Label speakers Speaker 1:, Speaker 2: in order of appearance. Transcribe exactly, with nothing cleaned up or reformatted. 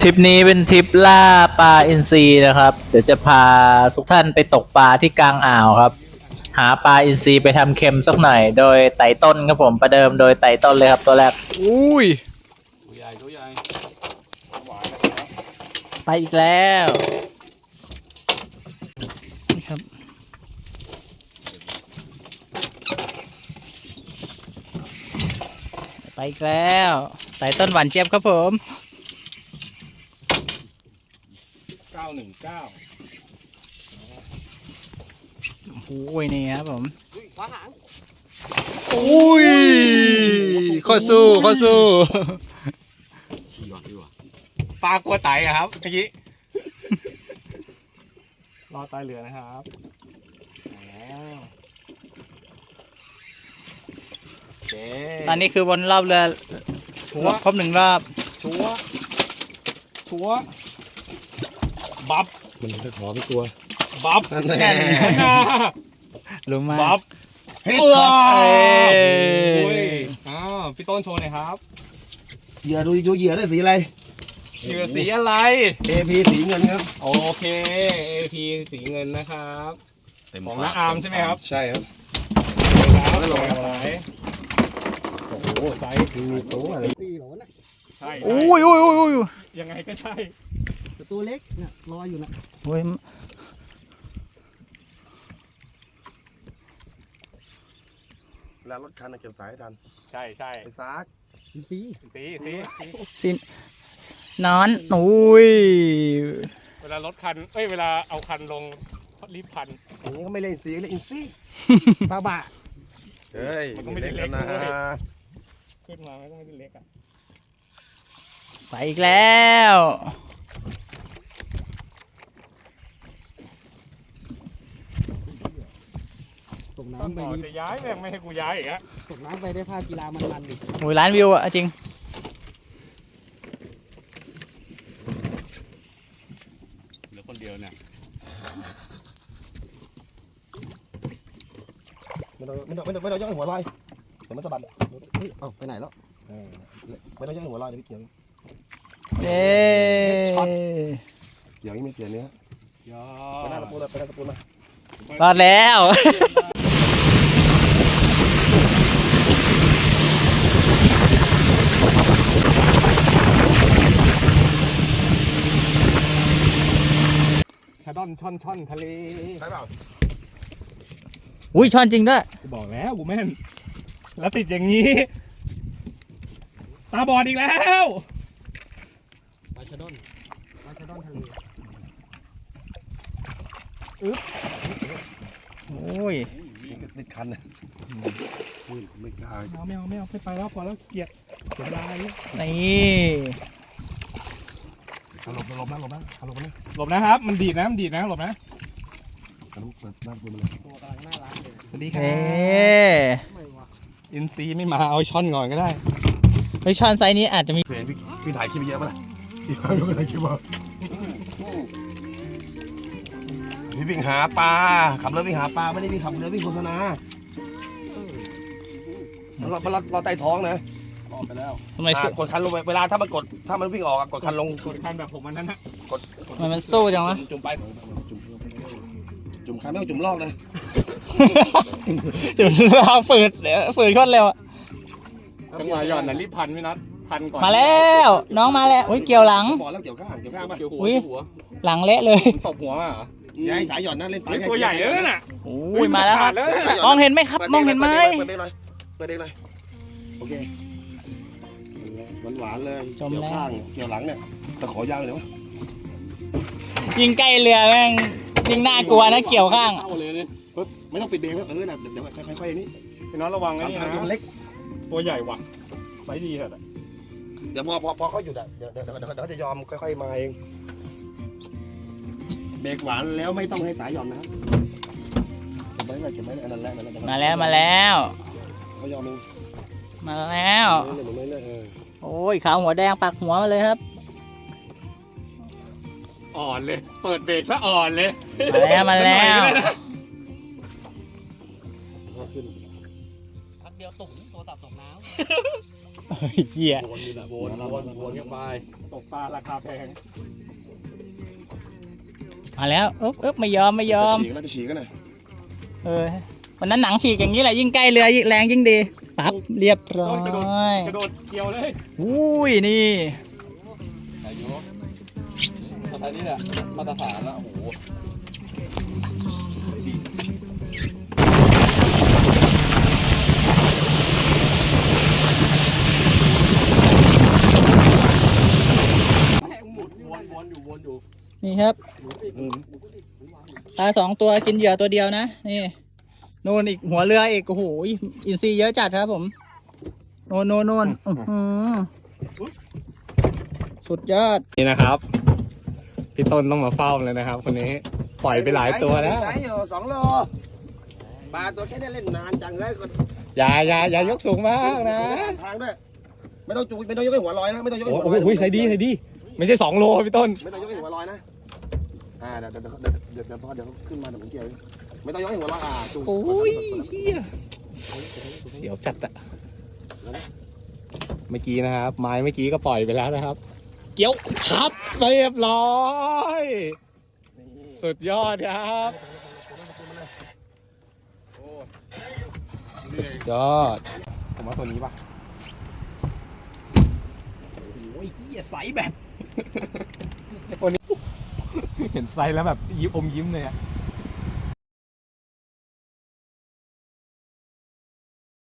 Speaker 1: ริปนี้เป็นทริปล่าปลาอินทรีนะครับเดี๋ยวจะพาทุกท่านไปตกปลาที่กลางอ่าวครับหาปลาอินทรีไปทำเค็มสักหน่อยโดยไต่ต้นครับผมประเดิมโดยไต่ต้นเลยครับตัวแรก
Speaker 2: อุ้ย
Speaker 3: ตัวใหญ่ตัวใหญ่หวานนะครับ
Speaker 1: ไปอีกแล้วครับไปอีกแล้วไต่ต้นหวานเจี๊ยบครับผม
Speaker 3: เก้าหนึ่งเก้า
Speaker 1: โอ้ยนี่ครับผม
Speaker 3: ขวาหาง
Speaker 2: อุ้ยข้อสู้ข้อสู้
Speaker 3: ชี้ก่อนดีกว่าปลากลัวไตอะครับเมื่อกี้รอตายเหลือนะครับแล้วโอเค
Speaker 1: ตอนนี้คือวนรอบเรือ
Speaker 3: ชัว
Speaker 1: ครบหนึ่งรอบ
Speaker 3: ชัวชัวบัฟ
Speaker 2: มันจะขอไม่กลัว
Speaker 3: บัฟ
Speaker 2: นั่นแหละ
Speaker 1: รู้มาก
Speaker 3: บัฟ
Speaker 2: เฮ้ย
Speaker 3: ว้าว
Speaker 1: เอ้ย
Speaker 3: โอ้ยอ้าวพี่ต้นโชว์หน่อยครับ
Speaker 2: เหยื่อดูดูเหยื่อได้สีอะไร
Speaker 3: เหยื่อสีอะไร
Speaker 2: เอพีสีเงินครับ
Speaker 3: โอเค เอ พี สีเงินนะครับของน้าอาร์มใช่ไหมครับ
Speaker 2: ใช่ครับ
Speaker 3: ครับลงสายโอ้โหไซส์
Speaker 2: มีตัวอะไร
Speaker 4: ตีโหลนะ
Speaker 3: ใช่
Speaker 1: อุ้ยอุ้ยอุ้ยอุ้ย
Speaker 3: ยังไงก็ใช่
Speaker 4: แต่ตัวเล็กเนี่ยลอยอยู่นะ
Speaker 1: โอ้ย
Speaker 2: แล้วรถคันเก็บสายให้ทัน
Speaker 3: ใช่ใช่
Speaker 2: ไปซัก
Speaker 4: สีสี
Speaker 3: สีสีสี
Speaker 1: สินนอนอุ้ย
Speaker 3: เวลารถคันเอ้ยเวลาเอาคันลงรีบพัน
Speaker 2: อย่างนี้ก็ไม่เล่นสีเล่นอินซี่
Speaker 4: ปลาบะ
Speaker 2: เฮ้ย
Speaker 3: มันก็ไม่ได้เล็ก
Speaker 2: นะ
Speaker 3: ด้วย ขึ้นมาไม่ต้องให้เล็กอ่ะ
Speaker 1: ไปอีกแล้ว
Speaker 4: ตก
Speaker 3: ต้น
Speaker 4: น้ำไป
Speaker 3: บอก
Speaker 4: นี่
Speaker 3: จะย้ายแม่งไม่ให้กูย้ายอีกอะ
Speaker 4: ตกน้ำไปได้ภาพกีฬามันๆดิ
Speaker 1: โอ้ยล้านวิวอะจริง
Speaker 3: เหลือคนเดียวเนี่ย
Speaker 2: ไม่ต้องไม่ต้องไม่ต้องไม่ต้องย่อหัวลอยเดี๋ยวมันสะบัด
Speaker 4: เฮ้ยเอ้าไปไหนแล้ว
Speaker 2: เออไม่ต้องย่อหัวลอยเดี๋ยวพี่เกี่ยว
Speaker 1: เย้
Speaker 2: เกี่ยวยังไม่เกี่ยวเนื้อย
Speaker 3: อ
Speaker 2: ไปหน้าตะปูเลยไปหน้าตะปูมาร
Speaker 1: อดแล้ว
Speaker 3: ชาดอนช่อนช่อนทะเล
Speaker 2: ใช่เปล่า
Speaker 1: อุ้ยช้อนจริงด้วย
Speaker 3: กูบอกแล้วกูแม่นแล้วติดอย่างนี้ ตาบอดอีกแล้ว
Speaker 4: ปลาชะดอนปลาชะดอนทะเล
Speaker 1: โอ้ย
Speaker 2: ติดคันนะอุ้ยไม่กล้า
Speaker 3: เอาไม่เอาไม่เอาไม่ไปแล้วพอแล้วเกลียดเสียเวลาอะไรเนี่ย
Speaker 1: นี่
Speaker 2: หลบหลบนะหลบนะหลบนะ
Speaker 3: หลบนะครับ มันดีดนะมันดีดนะหลบนะ
Speaker 2: ต้องเปิดหน้าตะปูมาเลย
Speaker 4: ตัวกำลังน่ารักเลย
Speaker 3: สวัสดีครั
Speaker 1: เฮ้
Speaker 4: ไม่วะ
Speaker 3: อินซีไม่มาเอาช่อนก่อนก็ได้
Speaker 1: เฮ้ยช้อนไซส์นี้อาจจะมี
Speaker 2: เห็นพี่พี่ถ่ายคลิปเยอะป่ะล่ะพี่ถ่ายไม่ได้คลิปว่าพี่วิ่งหาปลาขับเรือวิ่งหาปลาไม่ได้วิ่งขับเรือวิ่งโฆษณาเราเราเราใต้ท้องนะ
Speaker 3: ออกไปแล้ว
Speaker 1: ทำไมสู้
Speaker 2: กดคันลงไปเวลาถ้ามันกดถ้ามันวิ่งออกกดคันลง
Speaker 3: กดคันแบบผมมันนั้นนะ
Speaker 1: ทำไมมันสู้จังวะ
Speaker 2: จุ่มไปจุ่มจุ่มคันไม่ต้องจุ่มลอกนะ
Speaker 1: จุดลากฝืดเดี๋ยวฝืดโคตรเร็วอะ
Speaker 3: จังหวะหย่อนน่ะรีบพันไม่นัดพันก่อน
Speaker 1: มาแล้วน้องมาแล้วอุ้ยเกี่ยวหลัง
Speaker 2: บอกแล้วเกี่ยวข้างเกี่ยวข้างป่ะ
Speaker 3: เกี่ยวหัว
Speaker 1: อุ๊ย
Speaker 3: เกี่ยวหัว
Speaker 1: หลังเละเลย
Speaker 3: ตบหัวมาเหรอ
Speaker 2: อย่าให้สายหย่อนนะเล่นปลา
Speaker 3: เฮ้ยตัวใหญ่แล้วน่ะ
Speaker 1: อุ้ยมาแล้วครับ
Speaker 3: แล้วน่ะ
Speaker 1: มองเห็นไหมครับ มองเห็นไหม
Speaker 2: เปิดเบรกหน่อยเปิดเบรกหน่อยโอเคหวานๆเลยเกี่ยวข้างเกี่ยวหลังเนี่ยตะขอยาวเลยวะ
Speaker 1: ยิงใกล้เรือแม่งยิงน่ากลัวนะเกี่ยวข้าง
Speaker 3: เข้าเลยเนี่ย
Speaker 2: ปึ๊บไม่ต้องปิดเบรกเออนะเดี๋ยวค่อยๆอย่างนี้
Speaker 3: พี่น้องระวังนะนี่
Speaker 2: ทาง
Speaker 3: นะ
Speaker 2: มันเล็ก
Speaker 3: ตัวใหญ่ว่ะไซส์ดีเถอะ
Speaker 2: เดี๋ยวพอพอพอเขาหยุดอ่ะเดี๋ยวเดี๋ยวเดี๋ยวเขาจะยอมค่อยๆมาเองเบรกหวานแล้วไม่ต้องให้สายหย่อนนะครับเก็บไว้เลยเก็บไว้อันนั้นแหละ
Speaker 1: มาแล้วมาแล้ว
Speaker 2: เขายอมเอง
Speaker 1: มาแล้ว
Speaker 2: เรื่อยๆเรื่อยๆเออ
Speaker 1: โอ้ยขาวหัวแดงปักหัวมาเลยครับ
Speaker 3: อ่อนเลย เปิดเบรกซะอ่อนเลย
Speaker 1: มาแล้วมาแล้ว
Speaker 2: ขึ้น
Speaker 4: พักเดียวตุ่มโทรศัพท์ตกน้
Speaker 1: เหี้ย
Speaker 4: วนนี่แหละวนวนวนกันไป
Speaker 3: ตกปลาราคาแพง
Speaker 1: มาแล้วอึ๊บอึ๊บไม่ยอมไม่ยอม
Speaker 2: ฉีกแล้วจะฉีกกันนะ
Speaker 1: เออวันนั้นหนังฉีกอย่างนี้แหละยิ่งใกล้เรือยิ่งแรงยิ่งดีปั๊บเรียบร้อ
Speaker 3: ต้นกระโดด
Speaker 1: ย
Speaker 3: กระโดดเกี่ยวเลย
Speaker 1: อุ้ยนี่
Speaker 4: อายุภาษานี้แหละมาตรฐานแล้วโอ้โห วนวนอยู่วนอยู่
Speaker 1: นี่ครับปลาสองตัวกินเหยื่อตัวเดียวนะนี่โน่นอีกหัวเรืออีกโอ้โหอินทรีย์เยอะจัดครับผมโน่นโน่นโน่นอื้อหือสุดยอด
Speaker 3: นี่นะครับพี่ต้นต้องมาเฝ้าเลยนะครับคนนี้ปล่อยไปหลายตัวแล้ว
Speaker 2: ไหนอยู่สองโลปลาตัวแค่ได้เล่นนานจังเลยก็
Speaker 3: อย่าอย่าอย่ายกสูงมากนะ
Speaker 2: ทางด้วยไม่ต้องจูไม่ต้องยกให้หัวลอยนะไม่ต้องยกให้
Speaker 3: โอ้
Speaker 2: หัวลอย
Speaker 3: โหใส่ดีใส่ดี ไม่ใช่สองโลพี่ต้น
Speaker 2: ไม่ต้องยกให้หัวลอยนะอ่าเดี๋ยวเดี๋ยวเดี๋ยวเดี๋ยวเดี๋ยวพอเดี๋ยวขึ้นมาเดี๋ยวผมเกี่ยวไม่ต้องยกให้หัวลอยอ่าจู
Speaker 3: โอ้ยเฮียเสียวจัดอะเมื่อกี้นะครับ ไม้เมื่อกี้ก็ปล่อยไปแล้วนะครับ เกี้ยวชับเรียบร้อย สุดยอดครับสุดยอด ผมว่าตัวนี้ป่ะโอ้ยเฮียใสแบบ ตัวนี้ เห็นไซส์แล้วแบบยิ้มอมยิ้มเลยอะ